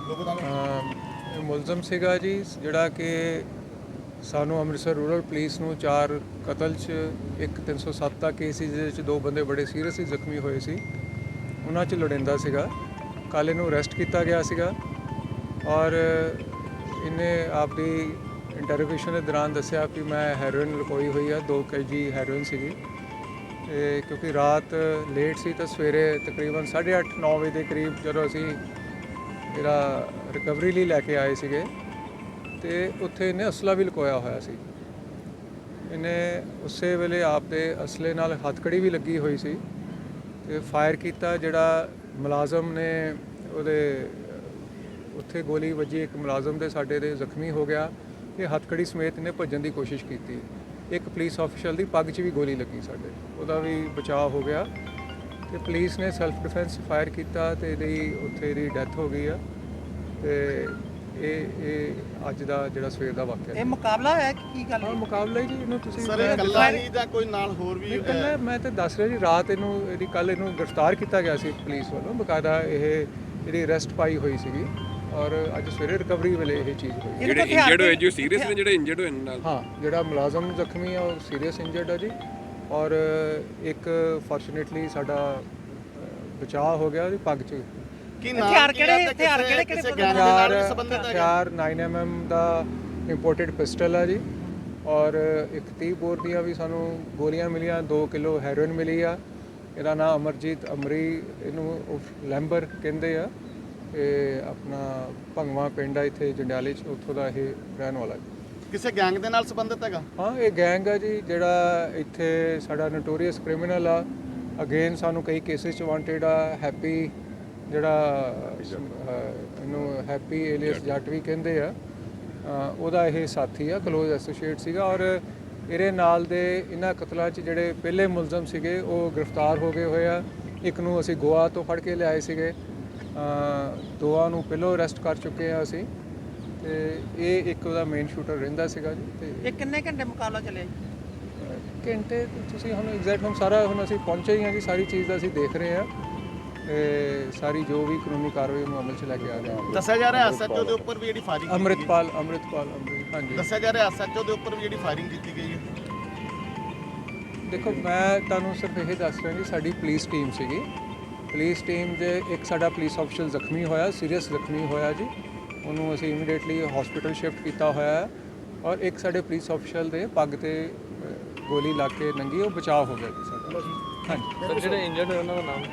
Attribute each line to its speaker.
Speaker 1: ਇਹ ਮੁਲਜ਼ਮ ਸੀਗਾ ਜੀ ਜਿਹੜਾ ਕਿ ਸਾਨੂੰ ਅੰਮ੍ਰਿਤਸਰ ਰੂਰਲ ਪੁਲਿਸ ਨੂੰ 4 ਕਤਲ 'ਚ ਇੱਕ 307 ਦਾ ਕੇਸ ਸੀ ਜਿਹਦੇ 'ਚ 2 ਬੰਦੇ ਬੜੇ ਸੀਰੀਅਸਲੀ ਜ਼ਖਮੀ ਹੋਏ ਸੀ। ਉਹਨਾਂ 'ਚ ਲੋੜੀਂਦਾ ਸੀਗਾ। ਕੱਲ੍ਹ ਇਹਨੂੰ ਅਰੈਸਟ ਕੀਤਾ ਗਿਆ ਸੀਗਾ ਔਰ ਇਹਨੇ ਆਪਦੀ ਇੰਟਰੋਗੇਸ਼ਨ ਦੇ ਦੌਰਾਨ ਦੱਸਿਆ ਕਿ ਮੈਂ ਹੈਰੋਇਨ ਲੁਕੋਈ ਹੋਈ ਆ 2 kg ਹੈਰੋਇਨ ਸੀਗੀ। ਤੇ ਕਿਉਂਕਿ ਰਾਤ ਲੇਟ ਸੀ ਤਾਂ ਸਵੇਰੇ ਤਕਰੀਬਨ 8:30-9 ਵਜੇ ਦੇ ਕਰੀਬ ਜਦੋਂ ਅਸੀਂ ਇਹਦਾ ਰਿਕਵਰੀ ਲਈ ਲੈ ਕੇ ਆਏ ਸੀਗੇ ਤੇ ਉੱਥੇ ਇਹਨੇ ਅਸਲਾ ਵੀ ਲੁਕੋਇਆ ਹੋਇਆ ਸੀ। ਇਹਨੇ ਉਸੇ ਵੇਲੇ ਆਪ ਦੇ ਅਸਲੇ ਨਾਲ ਹੱਥਕੜੀ ਵੀ ਲੱਗੀ ਹੋਈ ਸੀ ਤੇ ਫਾਇਰ ਕੀਤਾ। ਜਿਹੜਾ ਮੁਲਾਜ਼ਮ ਨੇ ਉਹਦੇ ਉੱਥੇ ਗੋਲੀ ਵੱਜੀ, ਇੱਕ ਮੁਲਾਜ਼ਮ ਦੇ ਸਾਡੇ ਦੇ ਜ਼ਖਮੀ ਹੋ ਗਿਆ। ਇਹ ਹੱਥਕੜੀ ਸਮੇਤ ਇਹਨੇ ਭੱਜਣ ਦੀ ਕੋਸ਼ਿਸ਼ ਕੀਤੀ। ਇੱਕ ਪੁਲਿਸ ਆਫੀਸ਼ਲ ਦੀ ਪੱਗ 'ਚ ਵੀ ਗੋਲੀ ਲੱਗੀ ਸਾਡੇ, ਉਹਦਾ ਵੀ ਬਚਾਅ ਹੋ ਗਿਆ ਤੇ ਪੁਲਿਸ ਨੇ ਸੈਲਫ ਡਿਫੈਂਸ ਫਾਇਰ ਕੀਤਾ ਤੇ ਉੱਥੇ ਇਹਦੀ ਡੈਥ ਹੋ ਗਈ ਆ। ਤੇ ਇਹ ਅੱਜ ਦਾ ਜਿਹੜਾ ਸਵੇਰ ਦਾ ਵਾਕਿਆ
Speaker 2: ਇਹ ਮੁਕਾਬਲਾ ਹੋਇਆ ਕਿ ਕੀ ਗੱਲ?
Speaker 1: ਹਾਂ, ਮੁਕਾਬਲਾ ਹੀ ਜੀ। ਇਹਨੂੰ ਤੁਸੀਂ
Speaker 3: ਸਰ ਇਕੱਲਾ ਹੀ ਜਾਂ ਕੋਈ ਨਾਲ ਹੋਰ ਵੀ?
Speaker 1: ਇਕੱਲਾ ਮੈਂ ਤਾਂ ਦੱਸ ਰਿਹਾ ਜੀ, ਰਾਤ ਕੱਲ੍ਹ ਇਹਨੂੰ ਗ੍ਰਿਫਤਾਰ ਕੀਤਾ ਗਿਆ ਸੀ ਪੁਲਿਸ ਵੱਲੋਂ। ਬਕਾਇਦਾ ਇਹਦੀ ਅਰੈਸਟ ਪਾਈ ਹੋਈ ਸੀਗੀ ਔਰ ਅੱਜ ਸਵੇਰੇ ਰਿਕਵਰੀ ਵੇਲੇ ਇਹ ਚੀਜ਼ ਹੋਈ।
Speaker 4: ਜਿਹੜੇ ਇੰਜਰਡ ਹੋਏ ਜੋ ਸੀਰੀਅਸ ਨੇ, ਜਿਹੜੇ ਇੰਜਰਡ ਹੋਏ ਨਾਲ?
Speaker 1: ਹਾਂ, ਜਿਹੜਾ ਮੁਲਾਜ਼ਮ ਜ਼ਖਮੀ ਆ ਉਹ ਸੀਰੀਅਸ ਇੰਜਰਡ ਆ ਜੀ ਔਰ ਇੱਕ ਫੋਰਚੂਨੇਟਲੀ ਸਾਡਾ ਬਚਾਅ ਹੋ ਗਿਆ ਉਹਦੀ ਪੱਗ 'ਚ।
Speaker 3: ਕੀ
Speaker 2: ਹਥਿਆਰ ਕਿਹੜੇ
Speaker 1: ਹਥਿਆਰ 9mm ਦਾ ਇੰਪੋਰਟਡ ਪਿਸਟਲ ਆ ਜੀ ਔਰ ਇੱਕ 30 ਬੋਰ ਦੀਆਂ ਵੀ ਸਾਨੂੰ ਗੋਲੀਆਂ ਮਿਲੀਆਂ। 2 ਕਿਲੋ ਹੈਰੋਇਨ ਮਿਲੀ ਆ। ਇਹਦਾ ਨਾਮ ਅਮਰਜੀਤ ਅਮਰੀ, ਇਹਨੂੰ ਲੈਂਬਰ ਕਹਿੰਦੇ ਆ। ਇਹ ਆਪਣਾ ਭੰਗਵਾ ਪਿੰਡ ਆ ਇੱਥੇ ਜੰਡਿਆਲੇ 'ਚ, ਉੱਥੋਂ ਦਾ ਇਹ ਰਹਿਣ ਵਾਲਾ।
Speaker 3: ਕਿਸੇ ਗੈਂਗ ਦੇ ਨਾਲ ਸੰਬੰਧਿਤ ਹੈਗਾ?
Speaker 1: ਹਾਂ, ਇਹ ਗੈਂਗ ਆ ਜੀ ਜਿਹੜਾ ਇੱਥੇ ਸਾਡਾ ਨੋਟੋਰੀਅਸ ਕ੍ਰਿਮੀਨਲ ਆ। ਅਗੇਨ ਸਾਨੂੰ ਕਈ ਕੇਸਿਸ 'ਚ ਵਾਂਟਡ ਆ। ਹੈਪੀ ਜਿਹੜਾ ਇਹਨੂੰ ਹੈਪੀ ਏਲੀਅਸ ਜੱਟ ਵੀ ਕਹਿੰਦੇ ਆ, ਉਹਦਾ ਇਹ ਸਾਥੀ ਆ, ਕਲੋਜ਼ ਐਸੋਸੀਏਟ ਸੀਗਾ। ਔਰ ਇਹਦੇ ਨਾਲ ਦੇ ਇਹਨਾਂ ਕਤਲਾਂ 'ਚ ਜਿਹੜੇ ਪਹਿਲੇ ਮੁਲਜ਼ਮ ਸੀਗੇ ਉਹ ਗ੍ਰਿਫਤਾਰ ਹੋ ਗਏ ਹੋਏ ਆ। ਇੱਕ ਨੂੰ ਅਸੀਂ ਗੋਆ ਤੋਂ ਫੜ ਕੇ ਲਿਆਏ ਸੀਗੇ, 2 ਨੂੰ ਪਹਿਲਾਂ ਅਰੈਸਟ ਕਰ ਚੁੱਕੇ ਆ ਅਸੀਂ। ਤੇ ਇਹ ਇੱਕ ਉਹਦਾ ਮੇਨ ਸ਼ੂਟਰ ਰਹਿੰਦਾ ਸੀਗਾ ਜੀ। ਤੇ
Speaker 2: ਇਹ ਕਿੰਨੇ ਘੰਟੇ ਮੁਕਾਬਲਾ ਚੱਲਿਆ ਜੀ?
Speaker 1: ਘੰਟੇ ਤੁਸੀਂ ਹੁਣ ਐਗਜ਼ੈਕਟ ਹੁਣ ਸਾਰਾ ਹੁਣ ਅਸੀਂ ਪਹੁੰਚੇ ਹੀ ਹਾਂ ਜੀ, ਸਾਰੀ ਚੀਜ਼ ਦਾ ਅਸੀਂ ਦੇਖ ਰਹੇ ਹਾਂ ਤੇ ਸਾਰੀ ਜੋ ਵੀ ਕਾਨੂੰਨੀ ਕਾਰਵਾਈ ਨੂੰ ਅਮਲ 'ਚ ਲੈ ਕੇ ਆ ਰਹੇ ਹਾਂ।
Speaker 3: ਦੱਸਿਆ ਜਾ ਰਿਹਾ ਐਸਐਚਓ ਦੇ ਉੱਪਰ ਵੀ ਜਿਹੜੀ ਫਾਇਰਿੰਗ
Speaker 1: ਅੰਮ੍ਰਿਤਪਾਲ ਹਾਂਜੀ।
Speaker 3: ਦੱਸਿਆ ਜਾ ਰਿਹਾ ਐਸਐਚਓ ਦੇ ਉੱਪਰ ਵੀ ਜਿਹੜੀ ਫਾਇਰਿੰਗ ਕੀਤੀ ਗਈ ਹੈ।
Speaker 1: ਦੇਖੋ, ਮੈਂ ਤੁਹਾਨੂੰ ਸਿਰਫ ਇਹ ਦੱਸ ਰਿਹਾ ਜੀ, ਸਾਡੀ ਪੁਲਿਸ ਟੀਮ ਸੀਗੀ। ਪੁਲਿਸ ਟੀਮ ਦੇ ਇੱਕ ਸਾਡਾ ਪੁਲਿਸ ਆਫੀਸਰ ਜ਼ਖਮੀ ਹੋਇਆ, ਸੀਰੀਅਸ ਜ਼ਖਮੀ ਹੋਇਆ ਜੀ। ਉਹਨੂੰ ਅਸੀਂ ਇਮੀਡੀਏਟਲੀ ਹਸਪੀਟਲ ਸ਼ਿਫਟ ਕੀਤਾ ਹੋਇਆ ਹੈ ਔਰ ਇੱਕ ਸਾਡੇ ਪੁਲਿਸ ਆਫੀਸਰ ਦੇ ਪੱਗ ਤੇ ਗੋਲੀ ਲੱਗ ਕੇ ਨੰਗੀ, ਉਹ ਬਚਾਅ ਹੋ ਗਿਆ ਜੀ ਸਾਡਾ। ਹਾਂਜੀ।
Speaker 4: ਜਿਹੜੇ ਇੰਜਰਡ ਹੋਏ ਉਹਨਾਂ ਦਾ ਨਾਮ?